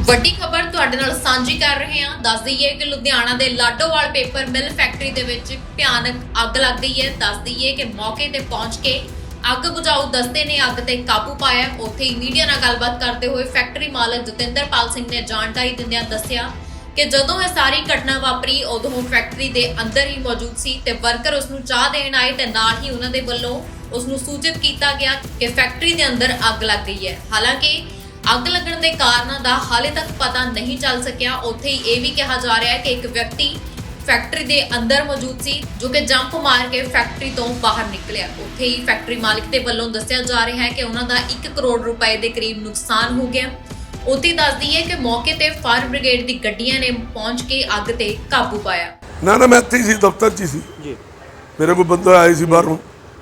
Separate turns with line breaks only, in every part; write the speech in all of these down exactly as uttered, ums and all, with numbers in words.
ਵੱਡੀ ਖਬਰ ਤੁਹਾਡੇ ਨਾਲ ਸਾਂਝੀ ਕਰ ਰਹੇ ਹਾਂ। ਦੱਸ ਦਈਏ ਕਿ ਲੁਧਿਆਣਾ ਦੇ ਲਾਡੋਵਾਲ ਪੇਪਰ ਮਿਲ ਫੈਕਟਰੀ ਦੇ ਵਿੱਚ ਭਿਆਨਕ ਅੱਗ ਲੱਗ ਗਈ ਹੈ। ਦੱਸ ਦਈਏ ਕਿ ਮੌਕੇ ਤੇ ਪਹੁੰਚ ਕੇ ਅੱਗ ਬੁਝਾਊ ਦਸਤੇ ਨੇ ਅੱਗ ਤੇ ਕਾਬੂ ਪਾਇਆ। ਉੱਥੇ ਹੀ ਮੀਡੀਆ ਨਾਲ ਗੱਲਬਾਤ ਕਰਦੇ ਹੋਏ ਫੈਕਟਰੀ ਮਾਲਕ ਜਤਿੰਦਰਪਾਲ ਸਿੰਘ ਨੇ ਜਾਣਕਾਰੀ ਦਿੰਦਿਆਂ ਦੱਸਿਆ ਕਿ ਜਦੋਂ ਇਹ ਸਾਰੀ ਘਟਨਾ ਵਾਪਰੀ ਉਦੋਂ ਫੈਕਟਰੀ ਦੇ ਅੰਦਰ ਹੀ ਮੌਜੂਦ ਸੀ ਤੇ ਵਰਕਰ ਉਸ ਨੂੰ ਚਾਹ ਦੇਣ ਆਏ ਤੇ ਨਾਲ ਹੀ ਉਹਨਾਂ ਦੇ ਵੱਲੋਂ ਉਸ ਨੂੰ ਸੂਚਿਤ ਕੀਤਾ ਗਿਆ ਕਿ ਫੈਕਟਰੀ ਦੇ ਅੰਦਰ ਅੱਗ ਲੱਗ ਗਈ ਹੈ। ਹਾਲਾਂਕਿ ਅੱਗ ਲੱਗਣ ਦੇ ਕਾਰਨਾਂ ਦਾ ਹਾਲੇ ਤੱਕ ਪਤਾ ਨਹੀਂ ਚੱਲ ਸਕਿਆ। ਉੱਥੇ ਹੀ ਇਹ ਵੀ ਕਿਹਾ ਜਾ ਰਿਹਾ ਹੈ ਕਿ ਇੱਕ ਵਿਅਕਤੀ ਫੈਕਟਰੀ ਦੇ ਅੰਦਰ ਮੌਜੂਦ ਸੀ ਜੋ ਕਿ ਜੰਪ ਮਾਰ ਕੇ ਫੈਕਟਰੀ ਤੋਂ ਬਾਹਰ ਨਿਕਲਿਆ। ਉੱਥੇ ਹੀ ਫੈਕਟਰੀ ਮਾਲਕ ਦੇ ਵੱਲੋਂ ਦੱਸਿਆ ਜਾ ਰਿਹਾ ਹੈ ਕਿ ਉਹਨਾਂ ਦਾ ਇੱਕ ਕਰੋੜ ਰੁਪਏ ਦੇ ਕਰੀਬ ਨੁਕਸਾਨ ਹੋ ਗਿਆ। ਉੱਥੇ ਦੱਸਦੀ ਹੈ ਕਿ ਮੌਕੇ ਤੇ ਫਾਇਰ ਬ੍ਰਿਗੇਡ ਦੀ ਗੱਡੀਆਂ ਨੇ ਪਹੁੰਚ ਕੇ ਅੱਗ ਤੇ ਕਾਬੂ ਪਾਇਆ।
ਨਾ ਨਾ ਮੈਂ ਇੱਥੇ ਹੀ ਸੀ, ਦਫ਼ਤਰ 'ਚ ਹੀ ਸੀ ਜੀ। ਮੇਰੇ ਕੋਲ ਬੰਦਾ ਆਏ ਸੀ ਬਾਹਰੋਂ,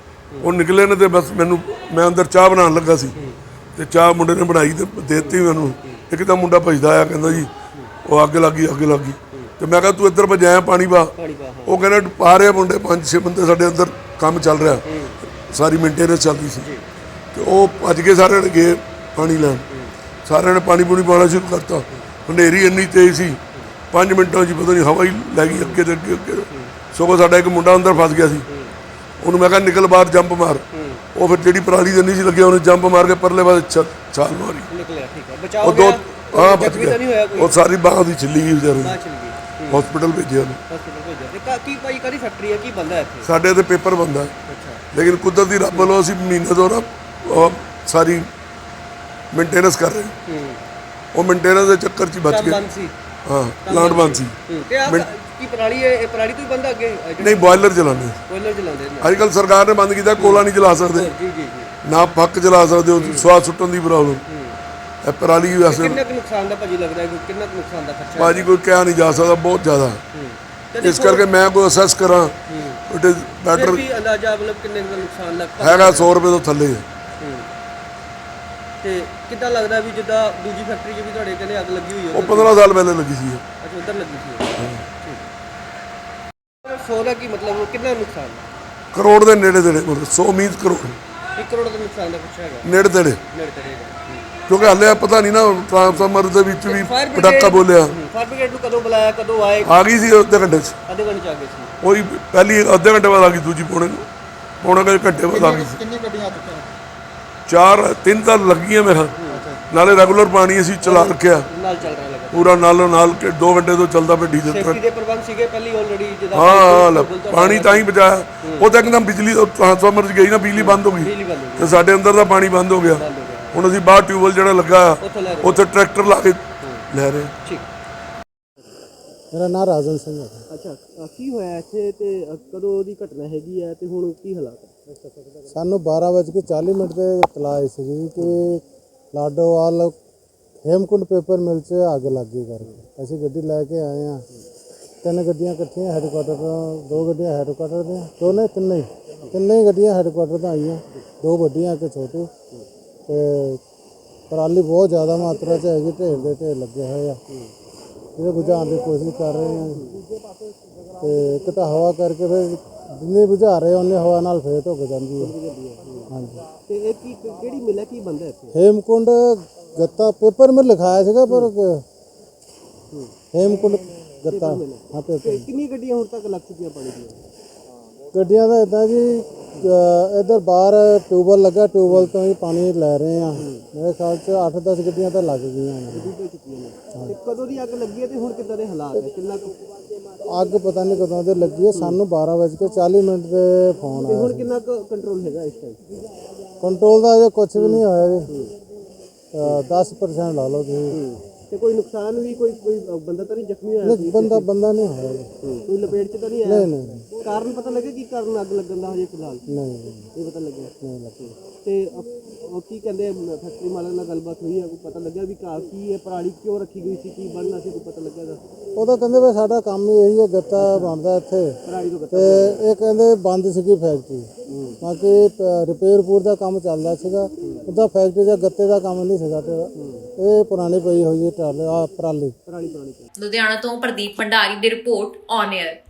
ਉਹ ਨਿਕਲੇ ਨੇ ਤੇ ਬਸ ਮੈਨੂੰ ਮੈਂ ਅੰਦਰ ਚਾਹ ਬਣਾਉਣ ਲੱਗਾ ਸੀ ਤੇ ਚਾਹ ਮੁੰਡੇ ਨੇ ਬਣਾਈ ਤੇ ਦੇ ਦਿੱਤੀ ਮੈਨੂੰ। ਇੱਕ ਤਾਂ ਮੁੰਡਾ ਭੱਜਦਾ ਆਇਆ ਕਹਿੰਦਾ ਜੀ ਉਹ ਅੱਗ ਲੱਗੀ ਅੱਗ ਲੱਗੀ ਤੇ ਮੈਂ ਕਿਹਾ ਤੂੰ ਇੱਧਰ ਭਜਾਇਆ ਪਾਣੀ ਪਾ। ਉਹ ਕਹਿੰਦਾ ਪਾ ਰਹੇ ਮੁੰਡੇ ਪੰਜ ਛੇ ਬੰਦੇ ਸਾਡੇ ਅੰਦਰ ਕੰਮ ਚੱਲ ਰਿਹਾ, ਸਾਰੀ ਮੇਨਟੇਨੈਂਸ ਚੱਲਦੀ ਸੀ ਤੇ ਉਹ ਭੱਜ ਕੇ ਸਾਰਿਆਂ ਨੇ ਗਏ ਪਾਣੀ ਲੈਣ। ਸਾਰਿਆਂ ਨੇ ਪਾਣੀ ਪੂਣੀ ਪਾਉਣਾ ਸ਼ੁਰੂ ਕਰਤਾ। ਹਨੇਰੀ ਇੰਨੀ ਤੇਜ਼ ਸੀ ਪੰਜ ਮਿੰਟਾਂ 'ਚ ਪਤਾ ਨਹੀਂ ਹਵਾ ਹੀ ਲੈ ਗਈ ਅੱਗੇ ਤੇ ਅੱਗੇ ਅੱਗੇ। ਸਗੋਂ ਸਾਡਾ ਇੱਕ ਮੁੰਡਾ ਅੰਦਰ ਫਸ ਗਿਆ ਸੀ, ਉਹਨੂੰ ਮੈਂ ਕਿਹਾ ਨਿਕਲ ਬਾਹਰ ਜੰਪ ਮਾਰ। ਉਹ ਫਿਰ ਜਿਹੜੀ ਪਰਾਲੀ ਦੇ ਨਹੀਂ ਸੀ ਲੱਗਿਆ ਉਹਨੇ ਜੰਪ ਮਾਰ ਕੇ ਪਰਲੇ ਪਾਸੇ ਛਾਲ ਮਾਰੀ।
ਨਿਕਲਿਆ ਠੀਕ ਹੈ, ਬਚਾਓ
ਉਹ ਦੋ
ਗਿਆ,
ਹਾਂ ਬਚ
ਜ਼ਖਮੀ ਤਾਂ ਨਹੀਂ ਹੋਇਆ
ਗਿਆ।
ਕੋਈ?
ਉਹ ਸਾਰੀ ਬਾਂਹ ਦੀ ਛਿੱਲੀ ਗਈ ਵਿਚਾਰੇ
ਬਾਹਰ
ਨੂੰ,
ਚਲੀ ਗਈ।
ਹਸਪੀਟਲ ਭੇਜਿਆ ਉਹਨੂੰ।
ਹਸਪੀਟਲ ਭੇਜਿਆ ਤੇ ਕਾ- ਕੀ ਭਾਈ ਕਾਹਦੀ ਫੈਕਟਰੀ ਹੈ, ਕੀ ਬੰਦਾ ਹੈ ਇੱਥੇ?
ਸਾਡੇ ਇੱਥੇ ਪੇਪਰ ਬਣਦਾ
ਅੱਛਾ
ਲੇਕਿਨ ਕੁਦਰਤੀ ਰੱਬ ਵੱਲੋਂ ਅਸੀਂ ਮਹੀਨੇ ਤੋਂ ਨਾ ਉਹ ਸਾਰੀ ਮੇਨਟੇਨੈਂਸ ਕਰ ਰਹੇ।
ਹੂੰ
ਉਹ ਮੇਨਟੇਨੈਂਸ ਦੇ ਚੱਕਰ 'ਚ ਹੀ ਬਚ
ਕੰਮ
ਗਏ।
ਬੰਦ ਸੀ।
ਹਾਂ ਪਲਾਂਟ ਬੰਦ ਸੀ।
ਹੂੰ ਤੇ ਆ ਕੀ ਪਰਾਲੀ ਹੈ, ਇਹ ਪਰਾਲੀ ਤੋਂ ਹੀ ਬੰਦਾ ਅੱਗੇ
ਨਹੀਂ ਬੋਇਲਰ ਚਲਾਉਂਦੇ
ਕੋਇਲਰ ਚਲਾਉਂਦੇ ਨੇ।
ਅੱਜ ਕੱਲ੍ਹ ਸਰਕਾਰ ਨੇ ਬੰਦ ਕੀਤਾ, ਕੋਲਾ ਨਹੀਂ ਚਲਾ ਸਕਦੇ
ਜੀ ਜੀ ਜੀ।
ਨਾ ਪੱਕ ਚਲਾ ਸਕਦੇ, ਉਹ ਸਵਾਦ ਸੁੱਟਣ ਦੀ ਪ੍ਰੋਬਲਮ। ਇਹ ਪਰਾਲੀ ਵੈਸੇ
ਕਿੰਨਾ ਕੁ ਨੁਕਸਾਨ ਦਾ ਭਾਜੀ ਲੱਗਦਾ ਹੈ, ਕਿੰਨਾ ਕੁ ਨੁਕਸਾਨ ਦਾ ਖਰਚਾ?
ਭਾਜੀ ਕੋਈ ਕਿਹਾ ਨਹੀਂ ਜਾ ਸਕਦਾ, ਬਹੁਤ ਜ਼ਿਆਦਾ।
ਹੂੰ
ਇਸ ਕਰਕੇ ਮੈਂ ਕੋਈ ਅਸੈਸ ਕਰਾਂ ਇਟ ਇਜ਼
ਫਿਰ
ਬੈਟਰ
ਵੀ ਅੰਦਾਜ਼ਾ ਮਤਲਬ ਕਿੰਨੇ ਕੁ ਦਾ ਨੁਕਸਾਨ ਲੱਗ
ਹੈਗਾ ਸੌ ਰੁਪਏ ਤੋਂ ਥੱਲੇ।
ਹੂੰ ਤੇ ਕਿੱਦਾਂ ਲੱਗਦਾ ਵੀ ਜਿੱਦਾਂ ਦੂਜੀ ਫੈਕਟਰੀ 'ਚ ਵੀ ਤੁਹਾਡੇ ਕਹਿੰਦੇ ਅੱਗ ਲੱਗੀ ਹੋਈ ਹੈ?
ਉਹ ਪੰਦਰਾਂ ਸਾਲ ਪਹਿਲੇ ਲੱਗੀ ਸੀ।
ਅੱਛਾ ਉੱਧਰ ਲੱਗੀ ਸੀ। ਸੌ ਦਾ ਕੀ ਮਤਲਬ ਕਿੰਨਾ ਨੁਕਸਾਨ?
ਕਰੋੜ ਦੇ ਨੇੜੇ ਤੇੜੇ, ਮਤਲਬ ਸੌ ਮੀਨਸ ਕਰੋੜ
ਇੱਕ ਕਰੋੜ ਦਾ ਨੁਕਸਾਨ ਦਾ ਕੁਛ ਹੈਗਾ
ਨੇੜੇ ਤੇੜੇ,
ਨੇੜੇ ਤੇੜੇ ਦਾ।
ਕਿਉਂਕਿ ਹਾਲੇ ਪਤਾ ਨਹੀਂ ਨਾ ਟ੍ਰਾਂਸਫਾਰਮਰ ਦੇ ਵਿੱਚ ਵੀ
ਫਾਇਰ
ਪਟਾਕਾ ਬੋਲਿਆ।
ਫਾਇਰ ਬ੍ਰਿਗੇਡ ਨੂੰ ਕਦੋਂ ਬੁਲਾਇਆ, ਕਦੋਂ ਆਏ?
ਆ ਗਈ ਸੀ ਅੱਧੇ ਘੰਟੇ 'ਚ,
ਅੱਧੇ ਘੰਟੇ 'ਚ ਆ ਗਏ ਸੀ।
ਉਹੀ ਪਹਿਲੀ ਅੱਧੇ ਘੰਟੇ ਬਾਅਦ ਆ ਗਈ, ਦੂਜੀ ਪੌਣੇ ਪੌਣੇ ਕੁ ਘੰਟੇ ਬਾਅਦ ਆ ਗਈ ਸੀ।
ਕਿੰਨੀ ਗੱਡੀਆਂ ਆ ਚੁੱਕੀਆਂ?
ਚਾਰ ਤਿੰਨ ਤਾਂ ਲੱਗੀਆਂ ਮੇਰਾ, ਨਾਲੇ ਰੈਗੂਲਰ ਪਾਣੀ ਅਸੀਂ ਚਲਾ ਰੱਖਿਆ
ਨਾਲ ਚੱਲ ਰਿਹਾ ਲੱਗਾ।
ਪੂਰਾ ਨਾਲੋਂ ਨਾਲ ਕਿ ਦੋ ਘੰਟੇ ਤੋਂ ਚੱਲਦਾ ਪਿਆ ਡੀਜ਼ਲ
ਸੇਫਟੀ
ਟਰੱਕ।
ਦੇ ਪ੍ਰਬੰਧ ਸੀਗੇ ਪਹਿਲੀ ਆਲਰੇਡੀ ਜਿਹਦਾ
ਹਾਂ ਹਾਂ ਪਾਣੀ ਤਾਂ ਹੀ ਬਚਾਇਆ। ਉਹ ਤਾਂ ਇੱਕਦਮ ਬਿਜਲੀ ਟ੍ਰਾਂਸਫਾਰਮਰ 'ਚ ਗਈ ਨਾ, ਬਿਜਲੀ ਬੰਦ ਹੋ ਗਈ
ਬਿਜਲੀ ਬੰਦ ਹੋ ਗਈ,
ਤੇ ਸਾਡੇ ਅੰਦਰ ਦਾ ਪਾਣੀ ਬੰਦ ਹੋ ਗਿਆ।
ਬੰਦ ਹੋ ਗਿਆ।
ਹੁਣ ਅਸੀਂ ਬਾਹਰ ਟਿਊਬਵੈਲ ਜਿਹੜਾ ਲੱਗਾ
ਉੱਥੋਂ ਲੈ ਰਹੇ
ਉੱਥੇ ਟਰੈਕਟਰ ਲਾ ਕੇ ਲੈ ਰਹੇ।
ਠੀਕ।
ਮੇਰਾ ਨਾਮ ਰਾਜਨ ਸਿੰਘ ਹੈ।
ਅੱਛਾ ਅ, ਕੀ ਹੋਇਆ ਇੱਥੇ ਤੇ ਅ, ਕਦੋਂ ਦੀ ਘਟਨਾ ਹੈਗੀ ਹੈ ਤੇ ਹੁਣ ਕੀ ਹਾਲਾਤ ਹੈ?
ਸਾਨੂੰ ਬਾਰਾਂ ਵੱਜ ਕੇ ਚਾਲੀ ਮਿੰਟ ਤੇ ਇਤਲਾਹ ਆਈ ਸੀ ਕਿ ਲਾਡੋਵਾਲ ਹੇਮਕੁੰਡ ਪੇਪਰ ਮਿਲ 'ਚ ਅੱਗ ਲੱਗ ਗਈ ਕਰਕੇ। ਅਸੀਂ ਗੱਡੀ ਲੈ ਕੇ ਆਏ ਹਾਂ, ਤਿੰਨ ਗੱਡੀਆਂ ਇਕੱਠੀਆਂ ਹੈਡਕੁਆਟਰ ਤੋਂ, ਦੋ ਗੱਡੀਆਂ ਹੈਡਕੁਆਟਰ ਦੀਆਂ, ਦੋਨੇ ਤਿੰਨੇ ਹੀ ਤਿੰਨੇ ਹੀ ਗੱਡੀਆਂ ਹੈਡਕੁਆਟਰ ਤੋਂ ਆਈਆਂ, ਦੋ ਵੱਡੀਆਂ ਇੱਕ ਛੋਟੀ। ਤੇ ਪਰਾਲੀ ਬਹੁਤ ਜ਼ਿਆਦਾ ਮਾਤਰਾ 'ਚ ਹੈਗੀ, ਢੇਰ ਦੇ ਢੇਰ ਲੱਗੇ ਹੋਏ ਆ, ਇਹਦੇ ਬੁਝਾਉਣ ਦੀ ਕੋਸ਼ਿਸ਼ ਕਰ ਰਹੇ ਹਾਂ। ਤੇ ਇੱਕ ਤਾਂ ਹਵਾ ਕਰਕੇ ਫਿਰ ਜਿੰਨੀ ਬੁਝਾ ਰਹੇ ਉਹਨੇ ਹਵਾ ਨਾਲ ਫੇਰ ਧੁੱਕ ਜਾਂਦੀ ਹੈ। ਹਾਂਜੀ
ਤੇ ਇਹ ਕੀ ਕਿਹੜੀ ਮਿਲ ਹੈ, ਕੀ ਬੰਦਾ ਇੱਥੇ?
ਹੇਮਕੁੰਡ ਗੱਤਾ ਪੇਪਰ ਮਿਲ ਲਿਖਾਇਆ ਸੀਗਾ ਪਰ ਹੇਮਕੁੰਡ ਗੱਤਾ ਹਾਂ ਪੇਪਰ।
ਤੇ ਕਿੰਨੀਆਂ ਗੱਡੀਆਂ ਹੁਣ ਤੱਕ ਲੱਗ ਚੁੱਕੀਆਂ ਪਾਣੀ ਦੀਆਂ?
ਗੱਡੀਆਂ ਦਾ ਇੱਦਾਂ ਜੀ, ਇੱਧਰ ਬਾਹਰ ਟਿਊਬਵੈਲ ਲੱਗਾ, ਟਿਊਬਵੈਲ ਤੋਂ ਹੀ ਪਾਣੀ ਲੈ ਰਹੇ ਆ। ਮੇਰੇ ਖਿਆਲ 'ਚ ਅੱਠ ਦਸ ਗੱਡੀਆਂ ਤਾਂ ਲੱਗ ਗਈਆਂ ਨੇ।
ਹੋ ਚੁੱਕੀਆਂ ਨੇ। ਤੇ ਕਦੋਂ ਦੀ ਅੱਗ ਲੱਗੀ ਹੈ ਤੇ ਹੁਣ ਕਿੱਦਾਂ ਦੇ ਹਾਲਾਤ ਹੈ, ਕਿੰਨਾ ਕੁ?
ਅੱਗ ਪਤਾ ਨਹੀਂ ਕਦੋਂ ਦੀ ਲੱਗੀ ਹੈ, ਸਾਨੂੰ ਬਾਰਾਂ ਵੱਜ ਕੇ ਚਾਲੀ ਮਿੰਟ ਤੇ ਫੋਨ
ਤੇ
ਆਇਆ।
ਹੁਣ ਕਿੰਨਾ ਕੁ ਕੰਟਰੋਲ ਹੈਗਾ ਇਸ ਟਾਈਮ?
ਕੰਟਰੋਲ ਦਾ ਅਜੇ ਕੁਝ ਵੀ ਨਹੀਂ ਹੋਇਆ ਜੀ, ਦਸ ਪਰਸੈਂਟ ਲਾ ਲਓ ਤੁਸੀਂ।
ਤੇ ਕੋਈ ਨੁਕਸਾਨ ਵੀ, ਕੋਈ ਕੋਈ ਬੰਦਾ ਤਾਂ ਨਹੀਂ ਜ਼ਖਮੀ ਹੋਇਆ?
ਨਹੀਂ ਬੰਦਾ ਬੰਦਾ ਨਹੀਂ ਹੋਇਆ ਜੀ।
ਕੋਈ ਲਪੇਟ 'ਚ ਤਾਂ ਨਹੀਂ
ਨਹੀਂ
ਆਇਆ?
ਨਹੀਂ
ਕਾਰਨ ਪਤਾ ਲੱਗੇ ਕੀ ਕਾਰਨ ਅੱਗ ਲੱਗਣ ਦਾ ਹਜੇ ਫਿਲਹਾਲ
ਨਹੀਂ
ਇਹ ਪਤਾ ਲੱਗਿਆ?
ਨਹੀਂ ਲੱਗੀ।
ਤੇ ਅ- ਉਹ ਕੀ ਕਹਿੰਦੇ ਫੈਕਟਰੀ ਮਾਲਕ ਨਾਲ ਗੱਲਬਾਤ ਹੋਈ ਹੈ, ਕੋਈ ਪਤਾ ਲੱਗਿਆ ਵੀ ਕਾ ਕੀ ਹੈ, ਪਰਾਲੀ ਕਿਉਂ ਰੱਖੀ ਗਈ ਸੀ, ਕੀ ਬਣਨਾ ਸੀ, ਕੋਈ ਪਤਾ ਲੱਗਿਆ?
ਉਹ ਤਾਂ ਕਹਿੰਦੇ ਵੀ ਸਾਡਾ ਕੰਮ ਹੀ ਇਹੀ ਹੈ, ਗੱਤਾ ਬਣਦਾ ਇੱਥੇ।
ਪਰਾਲੀ ਤੋਂ ਗੱਤਾ
ਤੇ ਇਹ ਕਹਿੰਦੇ ਬੰਦ ਸੀਗੀ ਫੈਕਟਰੀ, ਬਾਕੀ ਰਿਪੇਅਰ ਪੂਰ ਦਾ ਕੰਮ ਚੱਲਦਾ ਸੀਗਾ, ਉਹਦਾ ਫੈਕਟਰੀ ਦਾ ਗੱਤੇ ਦਾ ਕੰਮ ਨਹੀਂ ਸੀਗਾ। ਤੇ ਇਹ ਪੁਰਾਣੀ ਪਈ ਹੋਈ ਹੈ ਟਰਾਲੀ ਆ ਪਰਾਲੀ।
ਪਰਾਲੀ ਪੁਰਾਣੀ।
ਲੁਧਿਆਣਾ ਤੋਂ ਪ੍ਰਦੀਪ ਭੰਡਾਰੀ ਦੀ ਰਿਪੋਰਟ ਔਨ 에ਅਰ।